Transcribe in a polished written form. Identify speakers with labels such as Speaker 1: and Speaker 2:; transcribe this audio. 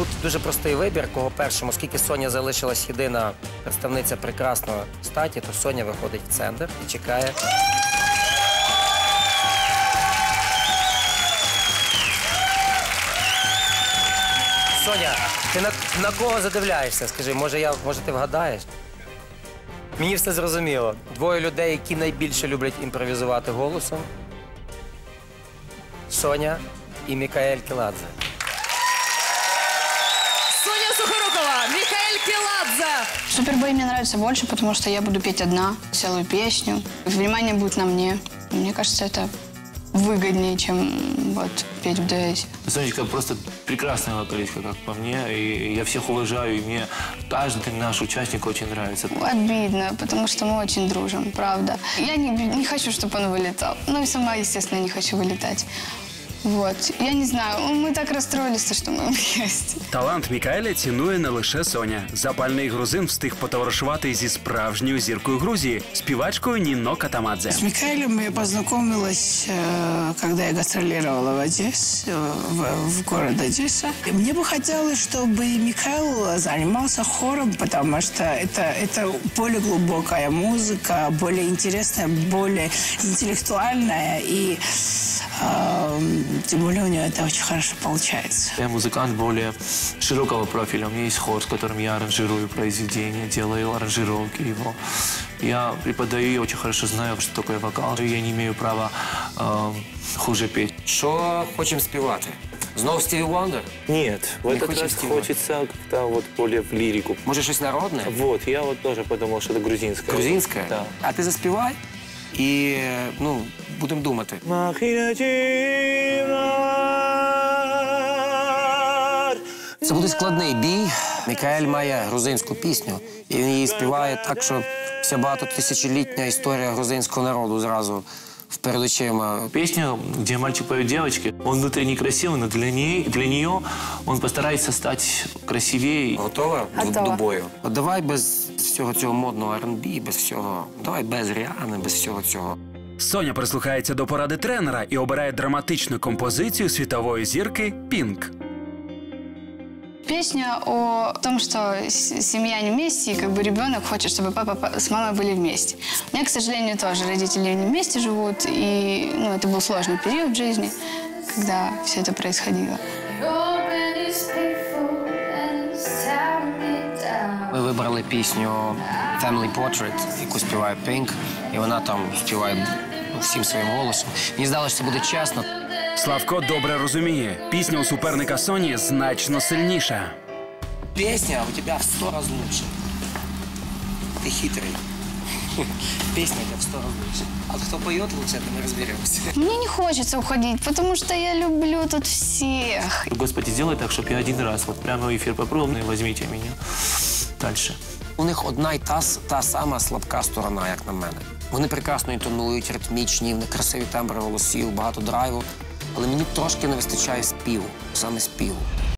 Speaker 1: Тут дуже простий вибір, кого першому. Оскільки Соня залишилась єдина представниця прекрасної статі, то Соня виходить в центр і чекає. Соня, ти на кого задивляєшся? Скажи, може ти вгадаєш? Мені все зрозуміло. Двоє людей, які найбільше люблять імпровізувати голосом. Соня і Мікаель Келадзе.
Speaker 2: Соня Сухорукова, Микаэль Келадзе.
Speaker 3: Супербой мне нравится больше, потому что я буду петь одна, целую песню. Внимание будет на мне. Мне кажется, это выгоднее, чем вот петь в дуэте.
Speaker 4: Сонечка просто прекрасная вокалистка, как по мне. И я всех уважаю, и мне каждый наш участник очень нравится.
Speaker 3: Обидно, потому что мы очень дружим, правда. Я не хочу, чтобы он вылетал. Ну и сама, естественно, не хочу вылетать. Вот. Я не знаю, ми так розстроїлися, що ми вместе.
Speaker 5: Талант Мікаеля цінує не лише Соня. Запальний грузин встиг потоваришувати зі справжньою зіркою Грузії – співачкою Нино Катамадзе.
Speaker 6: С Микаэлем я познакомилась, когда я гастролировала в Одессе, в город Одесса. Мне бы хотелось, чтобы Микаэл занимался хором, потому что это более глубокая музыка, более интересная, более интеллектуальная и тем более у него это очень хорошо получается.
Speaker 4: Я музыкант более широкого профиля. У меня есть хор, с которым я аранжирую произведения, делаю аранжировки его. Я преподаю и очень хорошо знаю, что такое вокал. Я не имею права хуже петь.
Speaker 1: Що хочемо співати? Знову Стіві Вондер?
Speaker 4: Нет, в этот
Speaker 1: хочешь
Speaker 4: раз
Speaker 1: стиха?
Speaker 4: хочется как-то вот более в лирику.
Speaker 1: Може щось народне?
Speaker 4: Вот, я вот тоже подумал, что это грузинское.
Speaker 1: Грузинське?
Speaker 4: Да.
Speaker 1: А ти заспівай і, будемо думати. Це буде складний бій. Мікаель має грузинську пісню, і він її співає так, що вся багатотисячолітня історія грузинського народу зразу перед очима.
Speaker 4: Песня, где мальчик поет девочке, он внутри некрасивый, но для нее он постарается стать красивее.
Speaker 1: Готова до
Speaker 3: Готова.
Speaker 1: бою? От давай без всього цього модного R&B, без всього, давай без Ріани, без всього цього.
Speaker 5: Соня прислухається до поради тренера і обирає драматичну композицію світової зірки «Пінк».
Speaker 3: Песня о том, что семья не вместе, и как бы ребенок хочет, чтобы папа с мамой были вместе. У меня, к сожалению, тоже родители не вместе живут, и это был сложный период в жизни, когда все это происходило.
Speaker 1: Ми вибрали пісню «Family Portrait», яку співає Pink, і вона там співає всім своїм голосом. Мені здалося, що це буде чесно.
Speaker 5: Славко добре розуміє, пісня у суперника Соні значно сильніша.
Speaker 1: Песня у тебя в 100 раз лучше. Ты хитрый. Песня у тебя в 100 раз лучше. А кто поет лучше, это мы разберемся.
Speaker 3: Мне не хочется уходить, потому что я люблю тут всех.
Speaker 4: Господи, сделай так, чтобы я один раз вот прямо в эфир попробовал, и возьмите меня дальше.
Speaker 1: У них одна й та сама слабка сторона, як на мене. Вони прекрасно інтонують, ритмічні, в них красиві тембри голосів, багато драйву. Але мені трошки не вистачає співу, саме співу.